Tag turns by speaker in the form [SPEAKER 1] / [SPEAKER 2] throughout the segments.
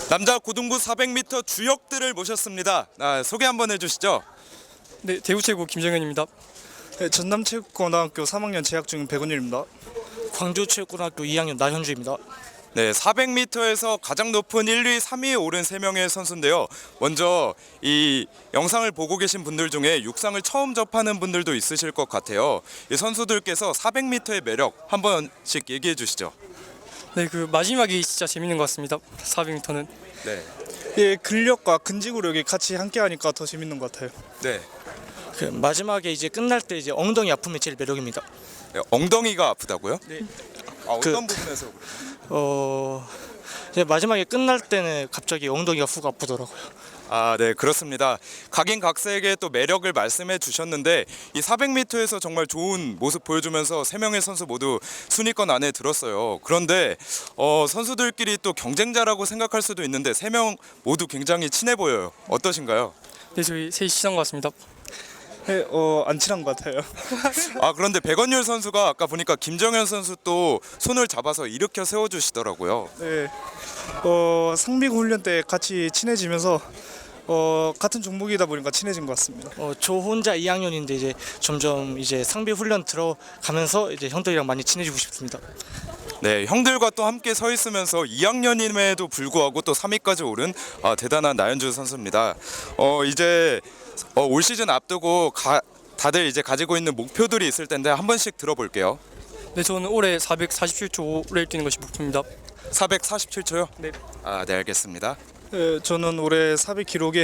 [SPEAKER 1] 남자 고등부 400m 주역들을 모셨습니다. 소개 한번 해주시죠.
[SPEAKER 2] 네, 대구체육 김정현입니다.
[SPEAKER 3] 네, 전남체육고등학교 3학년 재학 중인 백운일입니다.
[SPEAKER 4] 광주체육고등학교 2학년 나현주입니다.
[SPEAKER 1] 네, 400m에서 가장 높은 1, 2, 3위에 오른 3명의 선수인데요. 먼저 이 영상을 보고 계신 분들 중에 육상을 처음 접하는 분들도 있으실 것 같아요. 이 선수들께서 400m의 매력 한 번씩 얘기해 주시죠.
[SPEAKER 2] 네, 그 마지막이 진짜 재밌는 것 같습니다. 400m는.
[SPEAKER 1] 네.
[SPEAKER 3] 예, 근력과 근지구력이 같이 함께하니까 더 재밌는 것 같아요.
[SPEAKER 1] 네.
[SPEAKER 4] 그 마지막에 이제 끝날 때 이제 엉덩이 아픔이 제일 매력입니다.
[SPEAKER 1] 네, 엉덩이가 아프다고요?
[SPEAKER 4] 네.
[SPEAKER 1] 어떤 부분에서 그래요?
[SPEAKER 4] 이제 마지막에 끝날 때는 갑자기 엉덩이가 훅 아프더라고요.
[SPEAKER 1] 네, 그렇습니다. 각인각색의 또 매력을 말씀해 주셨는데 이 400m에서 정말 좋은 모습 보여주면서 3명의 선수 모두 순위권 안에 들었어요. 그런데 선수들끼리 또 경쟁자라고 생각할 수도 있는데 3명 모두 굉장히 친해 보여요. 어떠신가요?
[SPEAKER 2] 네, 저희 셋이 친한 것 같습니다.
[SPEAKER 3] 네, 안 친한 것 같아요.
[SPEAKER 1] 그런데 백원율 선수가 아까 보니까 김정현 선수 또 손을 잡아서 일으켜 세워주시더라고요.
[SPEAKER 3] 네, 상비구 훈련 때 같이 친해지면서 같은 종목이다 보니까 친해진 것 같습니다.
[SPEAKER 4] 저 혼자 2학년인데 이제 점점 이제 상비 훈련 들어가면서 이제 형들이랑 많이 친해지고 싶습니다.
[SPEAKER 1] 네, 형들과 또 함께 서 있으면서 2학년임에도 불구하고 또 3위까지 오른 대단한 나현주 선수입니다. 이제 올 시즌 앞두고 다들 이제 가지고 있는 목표들이 있을 텐데 한 번씩 들어볼게요.
[SPEAKER 2] 네, 저는 올해 447초 5를 뛰는 것이 목표입니다.
[SPEAKER 1] 447초요?
[SPEAKER 2] 네.
[SPEAKER 1] 네, 알겠습니다.
[SPEAKER 3] 네, 저는 올해 400 기록에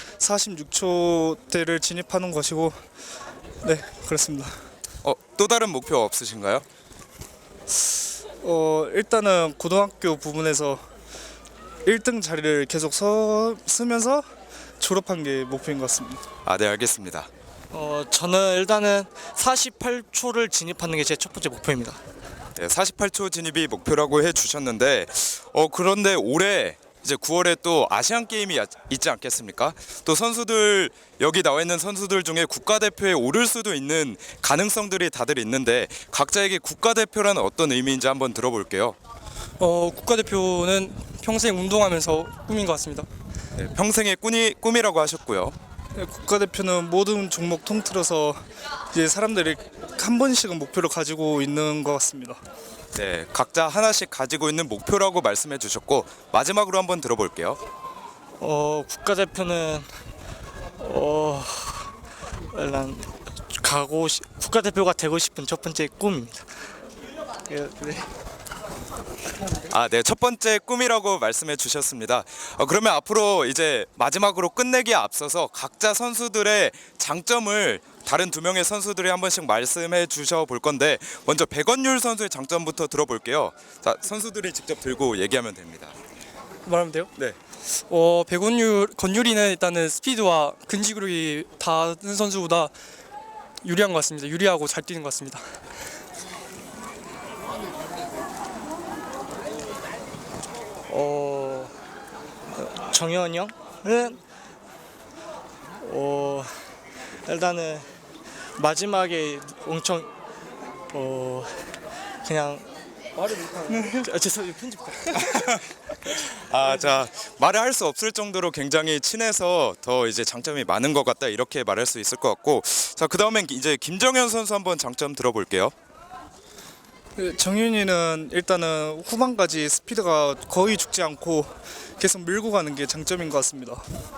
[SPEAKER 3] 46초대를 진입하는 것이고, 네, 그렇습니다.
[SPEAKER 1] 또 다른 목표 없으신가요?
[SPEAKER 3] 일단은 고등학교 부분에서 1등 자리를 계속 쓰면서 졸업한 게 목표인 것 같습니다.
[SPEAKER 1] 네, 알겠습니다.
[SPEAKER 4] 저는 일단은 48초를 진입하는 게 제 첫 번째 목표입니다.
[SPEAKER 1] 네, 48초 진입이 목표라고 해주셨는데 그런데 올해 이제 9월에 또 아시안 게임이 있지 않겠습니까? 또 선수들 여기 나와 있는 선수들 중에 국가대표에 오를 수도 있는 가능성들이 다들 있는데 각자에게 국가대표라는 어떤 의미인지 한번 들어볼게요.
[SPEAKER 2] 국가대표는 평생 운동하면서 꿈인 것 같습니다.
[SPEAKER 1] 네, 평생의 꿈이라고 하셨고요.
[SPEAKER 3] 네, 국가대표는 모든 종목 통틀어서 이제 사람들이 한 번씩은 목표를 가지고 있는 것 같습니다.
[SPEAKER 1] 네, 각자 하나씩 가지고 있는 목표라고 말씀해 주셨고 마지막으로 한번 들어볼게요.
[SPEAKER 4] 국가대표는 일단 국가대표가 되고 싶은 첫 번째 꿈입니다. 네.
[SPEAKER 1] 네, 첫 번째 꿈이라고 말씀해 주셨습니다. 그러면 앞으로 이제 마지막으로 끝내기에 앞서서 각자 선수들의 장점을 다른 두 명의 선수들이 한 번씩 말씀해 주셔 볼 건데 먼저 백원율 선수의 장점부터 들어볼게요. 자, 선수들이 직접 들고 얘기하면 됩니다.
[SPEAKER 2] 말하면 돼요?
[SPEAKER 1] 네.
[SPEAKER 2] 건율이는 일단은 스피드와 근지구력이 다른 선수보다 유리한 것 같습니다. 유리하고 잘 뛰는 것 같습니다.
[SPEAKER 4] 정현이 형은 일단은 마지막에 엄청 그냥 말을 못하는 죄송해요 편집
[SPEAKER 1] 자, 말을 할 수 없을 정도로 굉장히 친해서 더 이제 장점이 많은 것 같다 이렇게 말할 수 있을 것 같고 자, 그다음엔 이제 김정현 선수 한번 장점 들어볼게요.
[SPEAKER 3] 네, 정윤이는 일단은 후반까지 스피드가 거의 죽지 않고 계속 밀고 가는 게 장점인 것 같습니다.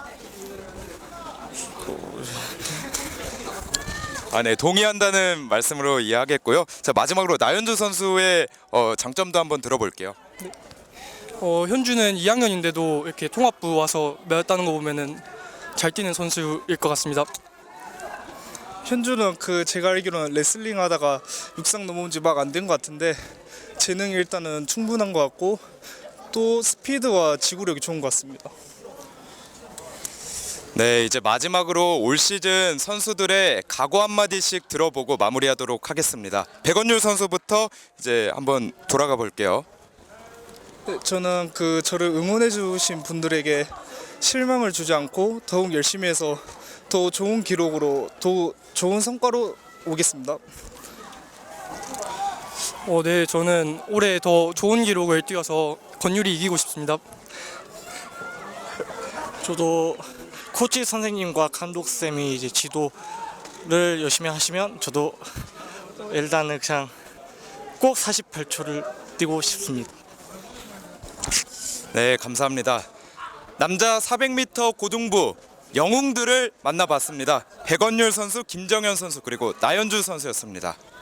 [SPEAKER 1] 네, 동의한다는 말씀으로 이해하겠고요. 자, 마지막으로 나현주 선수의 장점도 한번 들어볼게요.
[SPEAKER 2] 현주는 2학년인데도 이렇게 통합부 와서 매였다는 거 보면은 잘 뛰는 선수일 것 같습니다.
[SPEAKER 3] 현주는 제가 알기로는 레슬링 하다가 육상 넘어온 지 막 안 된 것 같은데 재능이 일단은 충분한 것 같고 또 스피드와 지구력이 좋은 것 같습니다.
[SPEAKER 1] 네, 이제 마지막으로 올 시즌 선수들의 각오 한마디씩 들어보고 마무리하도록 하겠습니다. 백원율 선수부터 이제 한번 돌아가 볼게요.
[SPEAKER 3] 네, 저는 저를 응원해 주신 분들에게 실망을 주지 않고 더욱 열심히 해서 더 좋은 기록으로 더 좋은 성과로 오겠습니다.
[SPEAKER 2] 네, 저는 올해 더 좋은 기록을 뛰어서 건율이 이기고 싶습니다.
[SPEAKER 4] 저도 코치 선생님과 감독 쌤이 이제 지도를 열심히 하시면 저도 일단은 그냥 꼭 48초를 뛰고 싶습니다.
[SPEAKER 1] 네, 감사합니다. 남자 400m 고등부 영웅들을 만나봤습니다. 백원율 선수, 김정현 선수 그리고 나연주 선수였습니다.